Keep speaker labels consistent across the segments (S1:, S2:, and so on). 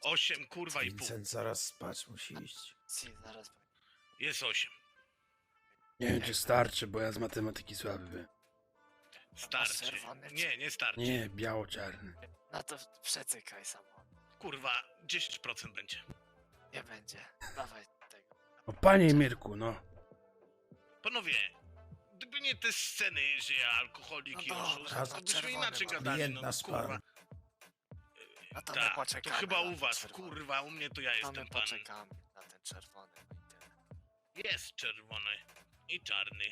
S1: 8 kurwa i pół.
S2: Vincent zaraz spać musi iść.
S3: Zaraz.
S1: Jest 8.
S2: Nie wiem, czy starczy, bo ja z matematyki słaby byłem.
S1: Starczy.
S3: czerwony,
S1: Nie, nie starczy.
S2: Nie, biało-czarny.
S3: No to przecykaj samo.
S1: Kurwa, 10% będzie.
S3: Nie będzie. Dawaj tego.
S2: O panie Mirku, no.
S1: Panowie, gdyby nie te sceny, że ja alkoholik i
S3: No
S1: oszust,
S3: dobra,
S1: to
S3: to
S1: byśmy
S3: czerwony
S1: inaczej
S3: mam.
S1: gadali,
S2: Klient
S1: no
S2: nasz
S1: kurwa.
S2: pan.
S3: No to my
S1: Tak, to
S3: poczekamy.
S1: chyba
S3: na
S1: u
S3: ten
S1: was,
S3: czerwony.
S1: kurwa, u mnie to ja
S3: To
S1: jestem
S3: my
S1: panem.
S3: poczekamy na ten czerwony, no i tyle.
S1: Jest czerwony i czarny.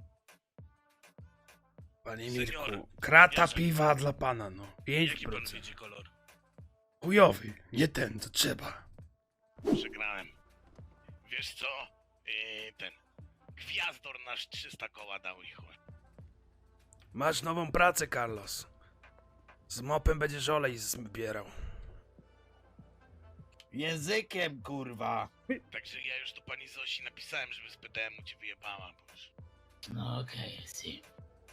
S2: Panie
S1: Senior,
S2: Mirku, krata
S1: Jerzy.
S2: piwa dla pana, no.
S1: Jaki pan
S2: 5%.
S1: widzi kolor?
S2: Chujowy, nie ten, co trzeba.
S1: Przegrałem. Wiesz co? Ten Gwiazdor nasz 300 koła dał i chuj.
S2: Masz nową pracę, Carlos. Z mopem będziesz olej zbierał.
S4: Językiem, kurwa.
S1: Także ja już do pani Zosi napisałem, żeby z PDM-u cię wyjebała, bo już...
S4: No okej, si.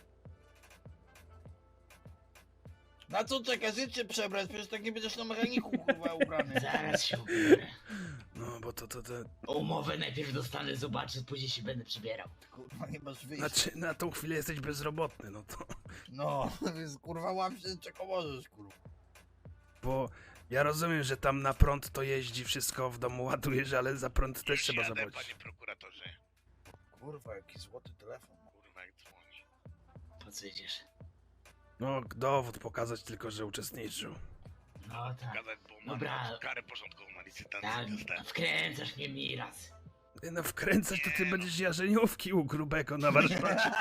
S4: Na co czekasz? Życie przebrać, przecież tak nie będziesz na mechaniku, kurwa, ubrany.
S5: Zaraz się ubiorę.
S2: No, bo to...
S5: Umowę najpierw dostanę, zobaczę, później się będę przybierał.
S4: Kurwa, nie masz wyjścia.
S2: Znaczy, na tą chwilę jesteś bezrobotny, no to...
S4: No, więc kurwa łap się, czego możesz, kurwa.
S2: Bo ja rozumiem, że tam na prąd to jeździ, wszystko w domu ładujesz, ale za prąd też
S1: Już
S2: trzeba
S1: jadę,
S2: zapłacić.
S1: panie prokuratorze.
S4: Kurwa, jaki złoty telefon.
S1: Kurwa, jak dzwoni.
S5: Po co idziesz?
S2: No, dowód pokazać tylko, że uczestniczył.
S5: No tak.
S1: Gadać, bo mam
S5: Dobra.
S1: karę porządkową na licytacji
S5: Tak,
S1: dostałem.
S5: wkręcasz mnie miraz.
S2: Ty no wkręcać to ty
S1: Nie,
S2: będziesz jarzeniówki u grubego na warsztacie.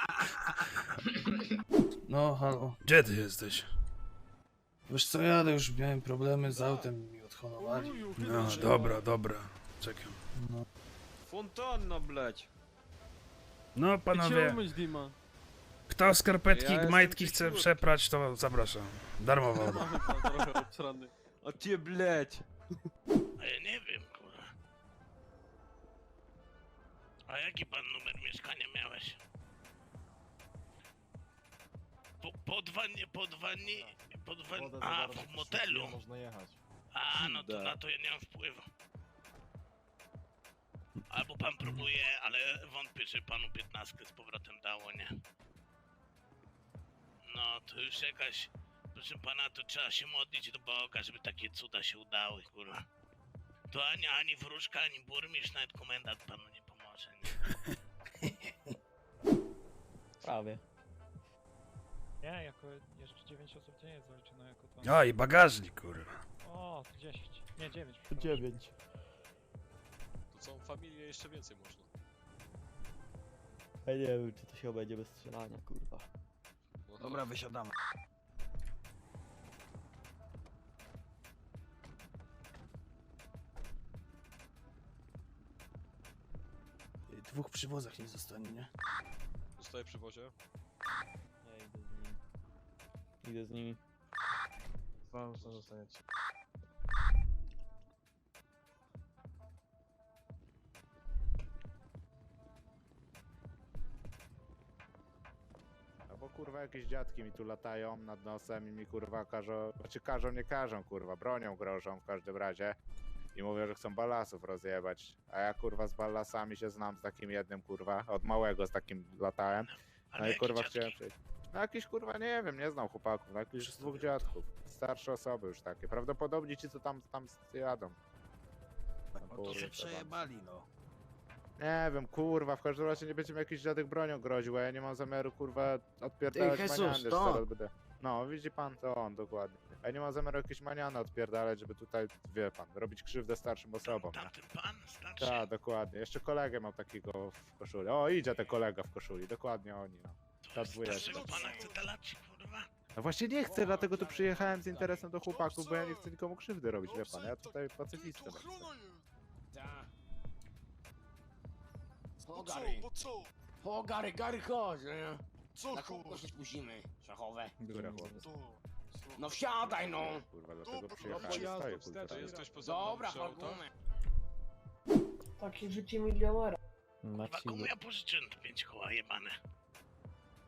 S6: No, halo.
S2: Gdzie ty jesteś?
S6: Wiesz co, jadę, już miałem problemy z autem, mi odhonowali.
S2: No, dobra, czekam.
S6: No.
S7: Фонтанна, блядь.
S2: No, panowie,
S7: умыть, Дима?
S2: kto skarpetki,
S7: Ja
S2: majtki
S7: jestem
S2: chce
S7: cichutki.
S2: przeprać, to zapraszam. Darmowo.
S7: Trochę obsrany. A ty, блядь.
S1: A ja nie wiem, kurwa. A jaki pan numer mieszkania miałeś? A, w motelu.
S7: Można jechać.
S1: A, no to
S7: Da.
S1: na to ja nie mam wpływu. Albo pan próbuje, ale wątpię, że panu 15 z powrotem dało, nie? No, to już jakaś... Proszę pana, to trzeba się modlić do Boga, żeby takie cuda się udały, kurwa. To ani wróżka, ani burmistrz, nawet komendant panu nie pomoże, nie?
S8: Prawie.
S9: Nie, jako jeszcze 9 osób nie jest zaliczone jako to.
S2: A, i bagażnik, kurwa.
S9: O, 10. Nie, 9.
S8: 9.
S7: To całą familię jeszcze więcej można.
S8: Ja nie wiem, czy to się obędzie bez strzelania, kurwa.
S7: No
S4: Dobra, wysiadamy.
S6: W dwóch przywozach nie zostanie, nie?
S7: Zostaję przy wozie.
S8: Nie, idę z nimi. Idę z nimi.
S7: Wam co zostaniecie.
S10: No bo kurwa jakieś dziadki mi tu latają nad nosem i mi kurwa każą, znaczy nie każą kurwa, bronią grożą w każdym razie i mówią, że chcą ballasów rozjebać, a ja kurwa z ballasami się znam z takim jednym kurwa, od małego z takim latałem, no i
S1: jakie
S10: kurwa
S1: dziadki?
S10: chciałem przejść. No jakiś kurwa nie wiem, nie znam chłopaków, no jakichś dwóch dziadków, starsze osoby już takie, prawdopodobnie ci co tam jadą. No,
S4: No to
S10: kurwa,
S4: się
S10: tam.
S4: przejebali, no.
S10: Nie wiem, kurwa, w każdym razie nie będzie mi jakiś dziadek bronią groził, a ja nie mam zamiaru, kurwa, odpierdalać
S4: Jesus,
S10: maniany, że
S4: to on.
S10: zaraz będę... No, widzi pan, to on, dokładnie. Ja nie mam zamiaru jakieś maniany odpierdalać, żeby tutaj, wie pan, robić krzywdę starszym osobom, nie?
S1: Tamten pan starszy?
S10: Tak, dokładnie. Jeszcze kolegę mam takiego w koszuli. O, idzie ten kolega w koszuli, dokładnie oni, no. Ta dwójeczka.
S1: Starszego pana chce talać, kurwa?
S10: No właśnie nie chcę, dlatego tu przyjechałem z interesem do chłopaków, bo ja nie chcę nikomu krzywdy robić, wie pan, ja tutaj pacyfistę będę.
S5: O, Gary. O, Gary, chodź, nie? Na kogo się spóźnimy? Szachowe.
S10: Które chłopy?
S5: No wsiadaj, no.
S10: Kurwa, dlatego przyjechałem, stoję kulturalnie.
S7: To jest ktoś poza
S5: Dobra,
S7: przy autach?
S5: parkujmy.
S11: Takie życie milionera.
S1: Kurwa, komu ja pożyczyłem te 5 koła jebane?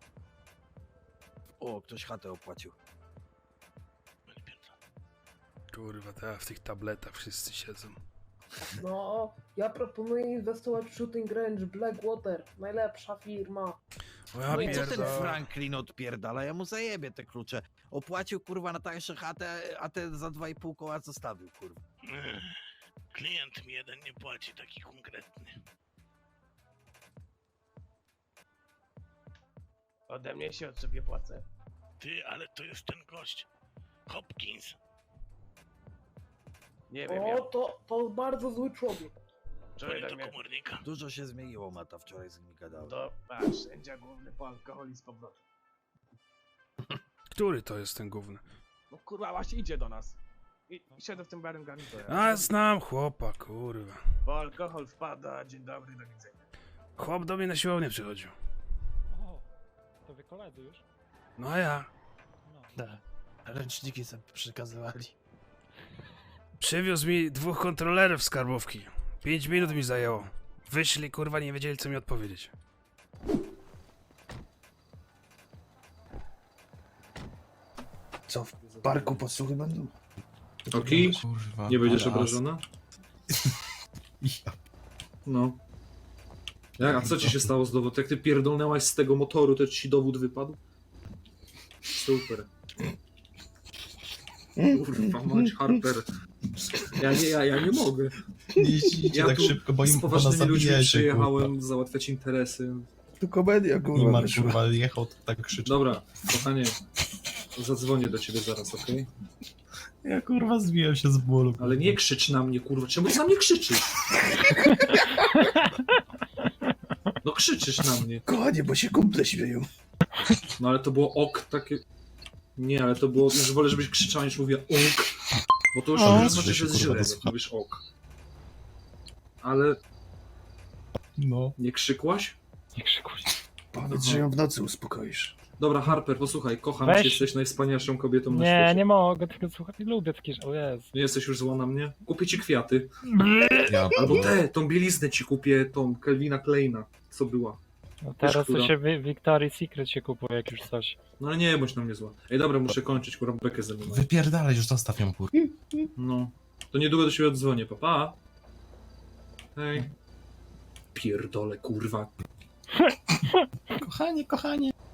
S4: O, ktoś chatę opłacił.
S1: Będzie pierdolę.
S2: Kurwa, teraz w tych tabletach wszyscy siedzą.
S11: No, ja proponuję inwestować w Shooting Range, Blackwater, najlepsza firma.
S2: O ja
S12: No i co ten
S2: pierdolę.
S12: Franklin odpierdala? Ja mu zajebie te klucze. Opłacił kurwa na tańsze chatę, a ten za 2,5 koła zostawił kurwa.
S1: Klient mi jeden nie płaci, taki konkretny.
S5: Ode mnie się od sobie płacę.
S1: Ty, ale to jest ten gość. Hopkins.
S5: Nie wiem,
S11: O, to bardzo zły człowiek.
S1: Dzwoni do komornika.
S12: Dużo się zmieniło, Mata, wczoraj z nimi gadałem.
S5: To patrz, sędzia główny po alkoholi z powrotem.
S2: Który to jest ten gówny?
S5: No kurwa, właśnie idzie do nas. I siedzę w tym barym garniturze.
S2: A, znam chłopa, kurwa.
S5: Po alkohol wpada, dzień dobry, do widzenia.
S2: Chłop do mnie na siłownię przychodził.
S9: O, to wy koledzy już?
S2: No a ja.
S9: No.
S6: Da. Ręczniki sobie przekazywali.
S2: Przywiózł mi 2 kontrolerów skarbówki. 5 minut mi zajęło. Wyszli, kurwa, nie wiedzieli, co mi odpowiedzieć.
S6: Co, w parku podsłuchy będą?
S10: Oki?
S6: Kurwa.
S10: Nie będziesz obrażona? No. Jak, a co ci się stało z dowodem? Jak ty pierdolnęłaś z tego motoru, to ci dowód wypadł? Super. Kurwa, mać Harper. Ja nie mogę.
S6: Nie jeździcie
S10: Ja
S6: tak
S10: tu
S6: szybko, bo
S10: z
S6: im pana
S10: poważnymi ludźmi
S6: zabijecie,
S10: przyjechałem załatwiać interesy.
S6: Tu komedia, kurwa.
S10: Nimar,
S6: kurwa, jechał, to tak krzyczy.
S10: Dobra, kochanie, zadzwonię do ciebie zaraz, okej?
S6: Ja kurwa zbijam się z bólu.
S10: Ale nie krzycz na mnie, kurwa. Czemu ty na mnie krzyczysz? No krzyczysz na mnie.
S6: Kochanie, bo się kumple śmieją.
S10: No ale to było ok takie... Nie, ale to było... Już wolę, żebyś krzyczał, niż mówię ok. Bo to już znaczy, że jest źle, jak mówisz ok. Ale...
S6: No.
S10: Nie krzykłaś?
S9: Nie krzykuj.
S6: Powiedz, że ją w nocy uspokoisz.
S10: Dobra, Harper, posłuchaj, kocham
S9: Weź.
S10: cię, jesteś najwspanialszą kobietą na
S9: Nie,
S10: świecie.
S9: nie mogę tego słuchać, nie lubię takich... O Jezu.
S10: Nie jesteś już zła na mnie? Kupię ci kwiaty.
S6: Ja
S10: Albo tą bieliznę ci kupię, tą Kelvina Kleina, co była.
S9: No teraz
S10: która?
S9: to się Victoria's Secret się kupuje, jak już coś.
S10: No ale nie bądź na mnie zła. Ej, dobra, muszę kończyć, kurwa, bekę ze mną.
S6: Wypierdalaj, już zostaw ją, kurwa.
S10: No. To niedługo do siebie odzwonię, papa. Hej. Pierdole, kurwa.
S6: Kochanie, kochanie.